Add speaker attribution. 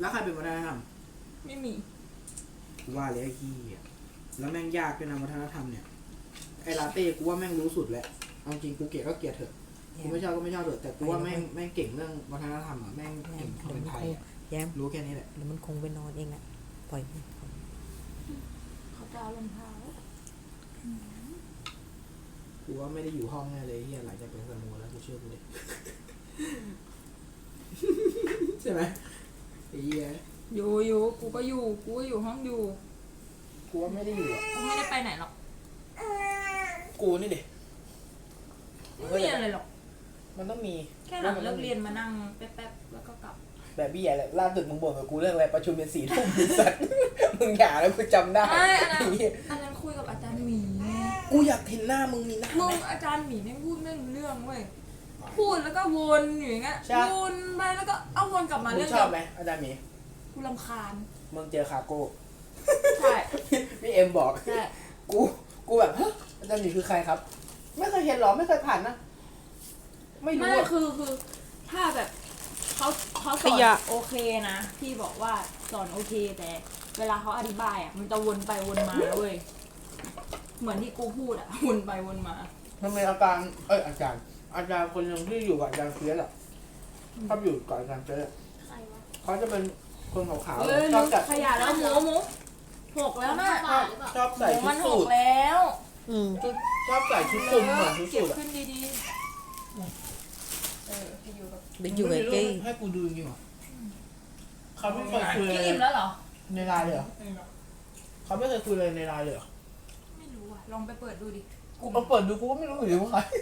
Speaker 1: แล้วใครเป็นวัฒนธรรม
Speaker 2: ไม่มี
Speaker 1: กูว่าเลยไอ้ขี้อ่ะแล้วแม่งยากด้วยนะวัฒนธรรมเนี่ยไอ้ลาเต้กูว่าแม่งรู้สุดแหละเอาจริงกูเกลียดก็เกลียดเถอะกูไม่ชอบก็ไม่ชอบเถอะแต่กูว่าแม่งเก่งเรื่องวัฒนธรรมอ่ะแม่งเก่งคนไทยอ่ะ
Speaker 3: แย้ม
Speaker 1: รู้แค่นี้แหละ
Speaker 3: เดี๋ยวมันคงไปนอนเองแหละปล่อย
Speaker 2: เขาจะเอารองเท้า
Speaker 1: กูว่าไม่ได้อยู่ห้องแน่เลยเฮียหลังจากเป็นสโมแล้วกูเชื่อกูเลย ใช่ไหมไอ้เฮีย
Speaker 2: อยู่กูก็อยู่ห้องอยู่
Speaker 1: กูว่าไม่ได้อยู่อ่ะ
Speaker 2: กูไม่ได้ไปไหนหรอก
Speaker 1: กูนี่ดิ
Speaker 2: ไม่มีอะไรหรอก
Speaker 1: มันต้องมี
Speaker 2: แค่หลังเลิกเรียนมานั่งแป๊บๆแล้วก็กลับ
Speaker 1: แบบพี่ใหญ่แหละล่าสุดมึงบ่นกับกูเรื่องอะไรประชุมเป็น4 ทุ่มสัตว์ มึงอย่าแล้วกูจำได้
Speaker 2: ไม่อันนั้น
Speaker 1: ไอ้เหี้ย
Speaker 2: อันนั้นคุยกับอาจารย์หมี
Speaker 1: กูอยากเห็นหน้ามึงมีหน้า
Speaker 2: มึ
Speaker 1: ไหม
Speaker 2: งอาจารย์หมีไม่พูดไม่รู้เรื่องเว้ย พูดแล้วก็วนอยู่อย่างเงี้ย
Speaker 1: ใช่
Speaker 2: วนไปแล้วก็เอาวนกลับมา
Speaker 1: มึ
Speaker 2: เรื่
Speaker 1: ง
Speaker 2: อง
Speaker 1: ชอบไหมอาจารย์หมี
Speaker 2: กูรำคาญ
Speaker 1: มึงเจอคาโก้
Speaker 2: ใช่
Speaker 1: พี่เอ็มบอก
Speaker 2: ใช่
Speaker 1: กูแบบฮะอาจารย์หมีคือใครครับ ไม่เคยเห็นหรอไม่เคยผ่านนะ ไม่รู้
Speaker 2: ไม่
Speaker 1: อะ
Speaker 2: คือถ้าแบบเขาสอนโอเคนะพี่บอกว่าสอนโอเคแต่เวลาเขาอธิบายอ่ะมันจะวนไปวนมาเว้ยเหมือนที่กูพูดอ่ะวนไปวนมา
Speaker 1: มันเป็นอาจารย์อาจารย์คนหนึงที่อยู่กับอาจารย์เฟียสอะชอบอยู่กับอาจารย์เฟียสอะ
Speaker 4: ใครวะ
Speaker 1: เขาจะเป็นคนขาว
Speaker 2: เอ้ย
Speaker 1: ๆชอบจัด
Speaker 2: ขยะแล้วหมูหกแล้วนะ
Speaker 4: บ้าหรือเปล่า
Speaker 1: ชอบ
Speaker 2: ห
Speaker 1: ใส่
Speaker 2: มู
Speaker 1: ชุ
Speaker 2: มั
Speaker 1: ด
Speaker 2: นห
Speaker 1: สู
Speaker 2: ก
Speaker 1: ท
Speaker 2: แล้ว
Speaker 1: ชอบใส่ชุดคลุมเหมือนชุด
Speaker 2: เก็
Speaker 1: สู
Speaker 2: บ
Speaker 1: ทอะ
Speaker 2: ขึ้นดีๆไปอยู่กับ
Speaker 3: ไปอยู่กับเก้
Speaker 1: ให้กูดูจริงๆเหรอเขาไม่เคยคุย
Speaker 2: พี่
Speaker 1: เลย
Speaker 2: อิ่มแล้วเหรอ
Speaker 1: ในไลน์เลยเหรอเขาไม่เคยคุยเลยในไลน์เลยเหรอ
Speaker 2: ไม่รู้อ่ะลองไปเปิดดูดิ
Speaker 1: กูมาเปิดดูกูก็ไม่รู้อยู่ดีว่าใคร